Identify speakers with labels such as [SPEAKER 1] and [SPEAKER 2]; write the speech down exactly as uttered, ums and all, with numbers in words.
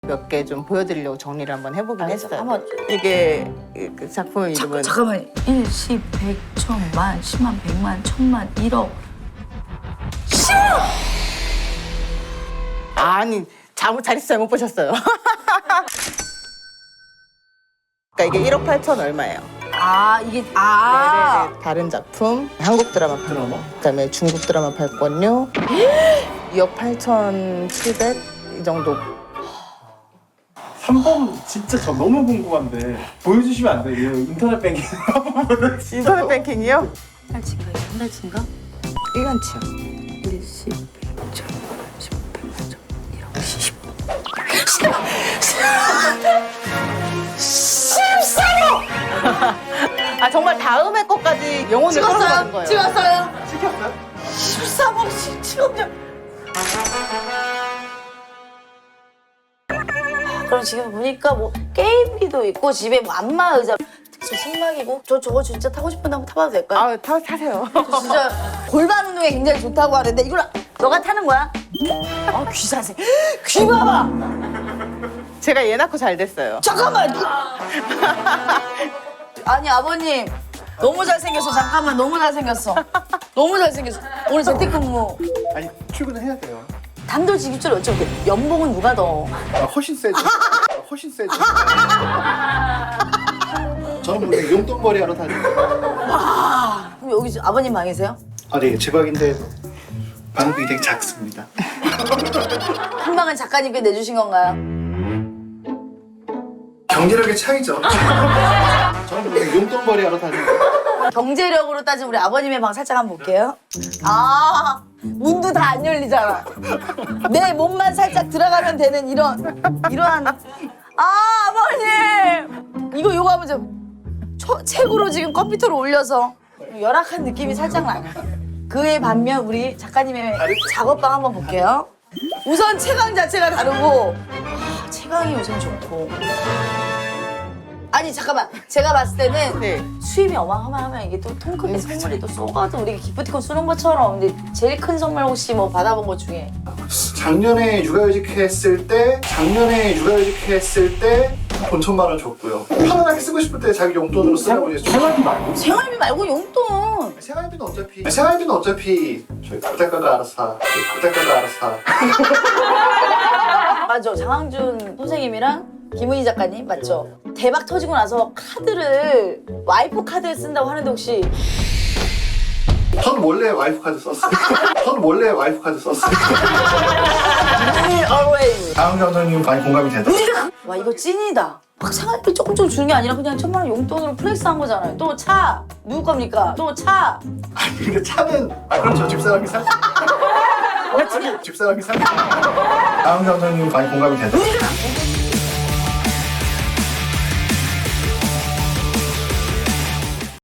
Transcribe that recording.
[SPEAKER 1] 몇 개 좀 보여드리려고 정리를 한번 해보긴
[SPEAKER 2] 알겠어,
[SPEAKER 1] 했어요.
[SPEAKER 2] 한번.
[SPEAKER 1] 이게 그 작품 이름은
[SPEAKER 2] 잠깐만. 일, 십, 백, 천, 만, 십만, 백만, 천만, 일억.
[SPEAKER 1] 아니 잘못 자릿수 잘못 보셨어요. 그러니까 이게 일억 팔천 얼마예요.
[SPEAKER 2] 아, 이게, 아.
[SPEAKER 1] 네네네. 다른 작품 한국 드라마
[SPEAKER 3] 드라마?
[SPEAKER 1] 그다음에 중국 드라마 발권료 이억 팔천칠백 이 정도.
[SPEAKER 3] 삼 번 진짜 저 너무 궁금한데 보여주시면 안 돼요? 인터넷 뱅킹 한번 보여주세요.
[SPEAKER 1] 인터넷 뱅킹이요?
[SPEAKER 2] 한 달치인가? 한 달치인가?
[SPEAKER 1] 일간치요.
[SPEAKER 2] 일, 십, 백, 천, 십, 백만, 천, 일억, 십.
[SPEAKER 1] 아 정말 다음에 것까지 영혼을 끌어가는 거예요.
[SPEAKER 2] 찍었어요?
[SPEAKER 3] 찍혔어요?
[SPEAKER 2] 십삼억 찍었냐? 그럼 지금 보니까 뭐 게임기도 있고 집에 뭐 안마 의자 저 승막이고 저 저거 진짜 타고 싶은데 한번 타봐도 될까요?
[SPEAKER 1] 아 타, 타세요.
[SPEAKER 2] 저 진짜 골반 운동에 굉장히 좋다고 하는데 이걸 너가 타는 거야? 아, 귀 자세. 귀 봐봐.
[SPEAKER 1] 제가 얘 낳고 잘 됐어요.
[SPEAKER 2] 잠깐만. 아니 아버님 너무 잘생겼어. 잠깐만 너무 잘생겼어. 너무 잘생겼어. 오늘 재택근무.
[SPEAKER 3] 아니 출근을 해야 돼요.
[SPEAKER 2] 단도직입적으로 어쩌고 연봉은 누가 더?
[SPEAKER 3] 아, 훨씬 세죠. 아, 훨씬 세죠. 저는 원래 용돈벌이 하러 다니고.
[SPEAKER 2] 그럼 여기 아버님 방이세요?
[SPEAKER 3] 아, 네, 제 방인데 방이 되게 작습니다.
[SPEAKER 2] 한 방은 작가님께 내주신 건가요?
[SPEAKER 3] 경제력의 차이죠. 저는 원래 용돈벌이 하러 다니고.
[SPEAKER 2] 경제력으로 따지면 우리 아버님의 방 살짝 한번 볼게요. 아, 문도 다 안 열리잖아. 내 몸만 살짝 들어가면 되는 이런, 이러한. 아, 아버님! 이거, 요거 하면 좀, 초, 책으로 지금 컴퓨터로 올려서 열악한 느낌이 살짝 나요. 그에 반면 우리 작가님의 작업방 한번 볼게요. 우선 채광 자체가 다르고, 아, 채광이 우선 좋고. 아니 잠깐만 제가 봤을 때는
[SPEAKER 1] 네.
[SPEAKER 2] 수입이 어마어마하면 이게 또 통크게 선물이 또 쏘가도 우리 기프티콘 쏘는 것처럼. 근데 제일 큰 선물 혹시 뭐 받아본 것 중에
[SPEAKER 3] 작년에 육아휴직 했을 때, 작년에 육아휴직 했을 때 돈 천만 원 줬고요. 편안하게 쓰고 싶을 때 자기 용돈으로 쓰라고 해서 생활비 말고?
[SPEAKER 2] 생활비 말고 용돈.
[SPEAKER 3] 생활비는 어차피 생활비는 어차피 저희 부대가가 알아서 저희 부대가가 알아서
[SPEAKER 2] 맞아 장항준 선생님이랑 김은희 작가님 맞죠? 대박 터지고 나서 카드를 와이프 카드를 쓴다고 하는데 혹시
[SPEAKER 3] 저는 원래 와이프 카드 썼어요. 저는 원래 와이프 카드 썼어요.
[SPEAKER 2] always.
[SPEAKER 3] 다음 감독님 많이 공감이 되다.
[SPEAKER 2] 와 이거 찐이다. 막 생활비 조금 좀 주는 게 아니라 그냥 천만 원 용돈으로 플렉스한 거잖아요. 또 차 누구 겁니까? 또 차.
[SPEAKER 3] 아니 근데 차는 아 그렇죠 집사람이 사. 집사람이 사. 다음 감독님 많이 공감이 되다.